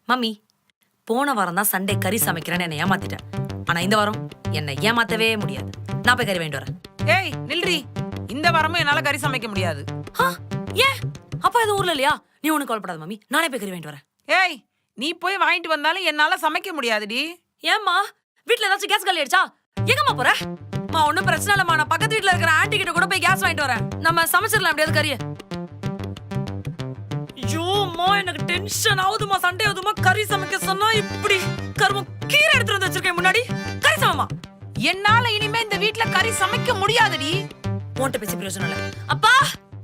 Mummy, போன வாரம் தான் சண்டே கறி சமைக்கிறேன்னு என்னை ஏமாத்திட்டேன். ஆனா இந்த வாரம் என்னை ஏமாத்தவே முடியாது. நான் போய் கறி வாங்கிட்டு வரேன். ஏய் நில்றி, இந்த வாரமும் என்னால கறி சமைக்க முடியாது. ஏன்? அப்பா இது ஊர்ல இல்லையா? நீ ஒண்ணு கவலைப்படாத மம்மி, நானே போய் கறி வாங்கிட்டு வரேன். ஏய், நீ போய் வாங்கிட்டு வந்தாலும் என்னால சமைக்க முடியாதுடி. ஏம்மா, வீட்டுல ஏதாச்சும் கேஸ் காலி ஆயிடுச்சா? எங்கம்மா போற? மா ஒன்னும் பிரச்சனை இல்லம்மா, நான் பக்கத்து வீட்டுல இருக்கிற ஆன்ட்டி கிட்ட கூட போய் கேஸ் வாங்கிட்டு வரேன். நம்ம சமைச்சிடலாம் எப்படியாவது கறியை. ஐயோம்மா, எனக்கு டென்ஷன் ஆகுதுமா. சண்டே ஆகுதுமா, கறி சமைக்க சொன்னா இப்படி கருமம் கீரை எடுத்துட்டு வந்து வச்சிருக்கேன் முன்னாடி. கறி சமைமா. என்னால இனிமே இந்த வீட்டுல கறி சமைக்க முடியாதுடி. உன்கிட்ட பேசி பிரயோஜனம் இல்ல. அப்பா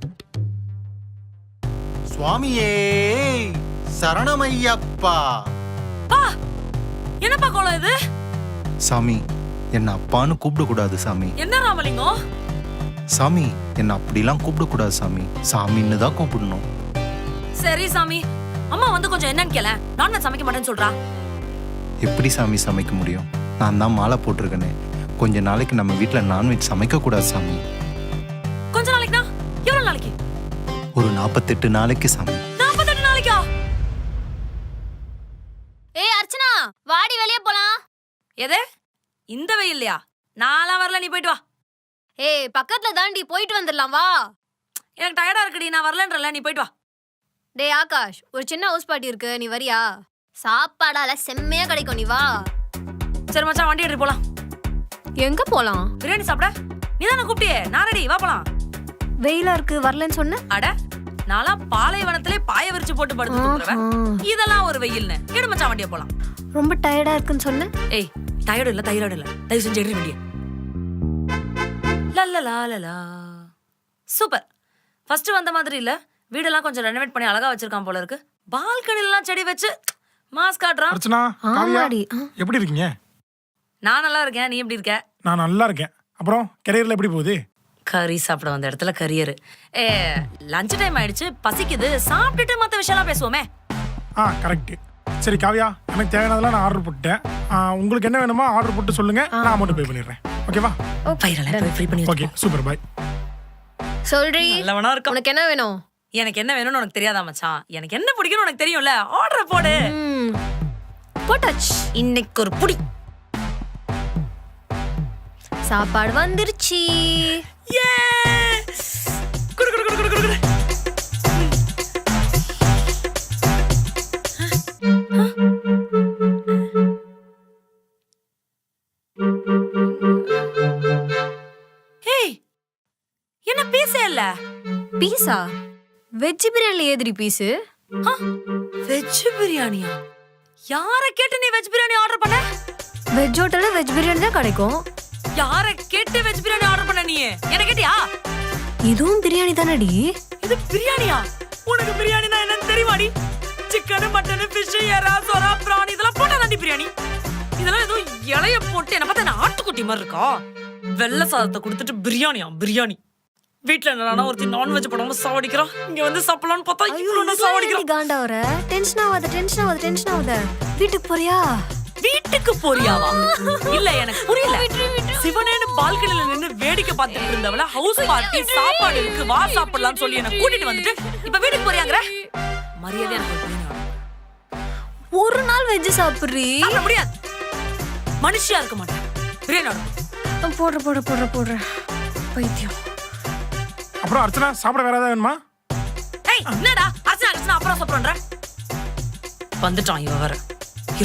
சுவாமியே சரணமையப்பா. பா, என்னப்பா கோலம் இது? சாமி, என்ன அப்பான்னு கூப்பிடக்கூடாது சாமி. என்ன ராமலிங்கம்? சாமி, என்ன அப்படிலாம் கூப்பிடக்கூடாது சாமி. சாமின்னு தான் கூப்பிடணும். சரி சாமி. அம்மா வந்து கொஞ்சம் என்னன்னு கேள. நான் சமைக்க மாட்டேன்னு சொல்றா. எப்படி சாமி சமைக்க முடியும்? நான் தான் மாலை போட்டிருக்கேனே. கொஞ்ச நாளைக்கு நம்ம வீட்டுல நான்வெஜ் சமைக்க கூடாது சாமி. கொஞ்ச நாளைக்குனா எவ்வளவு நாளைக்கு? ஒரு 48 நாளைக்கு சாமி. 48 நாளைக்கா? ஏய் அர்ச்சனா, வாடி வெளியே போலாம். எது? இந்த வெயில்லையா? நான்லாம் வரல, நீ போயிட்டு வா. ஏய் பக்கத்துல தாண்டி, போயிட்டு வந்துடலாம் வா. எனக்கு டயர்டா இருக்குடி, நான் வரலன்றல, நீ போயிட்டு வா. டேய் ஆகாஷ், ஒரு சின்ன ஹவுஸ் பார்ட்டி இருக்கு, நீ வரியா? சாப்பாடால செம்மையா கிடைக்கும், நீ வா. சரி மச்சான், வண்டி எடுத்து போலாம். எங்க போலாம்? பிரியாணி சாப்பிட நீ தானே கூப்பிட்டியே. நான் ரெடி, வா போலாம். வெயிலா இருக்கு, வரலன்னு சொன்ன. அட, நான்லாம் பாலைவனத்திலே பாய விரிச்சு போட்டு படுத்து தூங்குறவன். இதெல்லாம் ஒரு வெயில்னு. எடு மச்சான், வண்டியை போலாம். ரொம்ப டயர்டா இருக்குன்னு சொன்ன. ஏய், டயர்டு இல்ல, தைராய்டு இல்ல. தயவு செஞ்சு எடுத்து வண்டியை. லல்லலா. சூப்பர். ஃபர்ஸ்ட் வந்த மாதிரி இல்ல. வீடெல்லாம் கொஞ்சம் ரெனோவேட் பண்ணி அழகா வச்சிருக்கான் போல இருக்கு. பால்கனிலாம் செடி வச்சு மாஸ் காட்றான். அர்ச்சனா, காவியா, எப்படி இருக்கீங்க? நான் நல்லா இருக்கேன், நீ எப்படி இருக்க? நான் நல்லா இருக்கேன். அப்புறம் கரியர்ல எப்படி போகுது? கறி சாப்பிட வந்த இடத்துல கரியர். லஞ்ச் டைம் ஆயிடுச்சு, பசிக்குது. சாப்பிட்டுட்டு மத்த விஷயம்லாம் பேசுவோமே. கரெக்ட். சரி காவியா, எனக்கு தேவையானதெல்லாம் நான் ஆர்டர் போட்டேன். உங்களுக்கு என்ன வேணுமோ ஆர்டர் போட்டு சொல்லுங்க, நான் அமௌண்ட் பே பண்ணிடுறேன். ஓகேவா? பைரலாம் ஃப்ரீ பண்ணி ஓகே, சூப்பர், பை. சொல்றீ, நல்லவனா இருக்க. உனக்கு என்ன வேணும்? எனக்கு என்ன வேணும்னு உனக்கு தெரியாதா மச்சான்? எனக்கு என்ன பிடிக்கும்னு உனக்கு தெரியும்ல. ஆர்டர் போடு. போட்டாச்சு. இன்னைக்கு ஒரு புடி. சாப்பாடு வந்துருச்சு. ஏ! குடு குடு குடு குடு குடு. ஏய், என்ன பீஸே இல்ல? பீஸா? வெஜ் பிரியாணில ஏதிரி பீஸ்? வெஜ் பிரியாணியா? யார கேட்டு நீ வெஜ் பிரியாணி ஆர்டர் பண்ண? வெஜ் ஹோட்டல்ல வெஜ் பிரியாணி தான் கிடைக்கும். யார கேட்டு வெஜ் பிரியாணி ஆர்டர் பண்ண நீ? என்ன கேட்டியா? இதுவும் பிரியாணி தானடி? இது பிரியாணியா? உனக்கு பிரியாணினா என்னன்னு தெரியுமாடி? சிக்கன், மட்டன், ஃபிஷ், எறா, சொரா, பிரான் இதெல்லாம் போட்டாதாண்டி பிரியாணி. இதெல்லாம் ஏதோ இலைய போட்டு என்ன பார்த்தா என்ன ஆட்டுக்குட்டி மாதிரி இருக்கா? வெள்ளை சாதத்தை கொடுத்துட்டு பிரியாணியா? பிரியாணி. வீட்டுல என்னன்னா ஒருத்தி நான்வெஜ் போடாம சாவடிக்கிறான். இங்க வந்து சாப்பிடலாம்னு பார்த்தா இவ்வளவு சாவடிக்கிறான். காண்டா வர. டென்ஷன் ஆகாத. வீட்டுக்கு போறியா? வீட்டுக்கு போறியாவா? இல்ல, எனக்கு புரியல. சிவனேன்னு பால்கனில நின்னு வேடிக்கை பார்த்துட்டு இருந்தவள ஹவுஸ் பார்ட்டி சாப்பாடு இருக்கு வா சாப்பிடலாம்னு சொல்லி என்ன கூட்டிட்டு வந்துட்டு இப்ப வீட்டுக்கு போறியாங்கற? மரியாதை எனக்கு ஒரு நாள் வெஜ் சாப்பிடுறீ? சாப்பிட முடியாது. மனுஷியா இருக்க மாட்டேன். பிரியாணி போடுற பைத்தியம். அப்புறம் அர்ச்சனா, சாப்பிட வேற ஏதாவது வேணுமா? ஏய், என்னடா அர்ச்சனா அப்புறம் சாப்பிடுறேன்ற? வந்துட்டான் இவ வேற.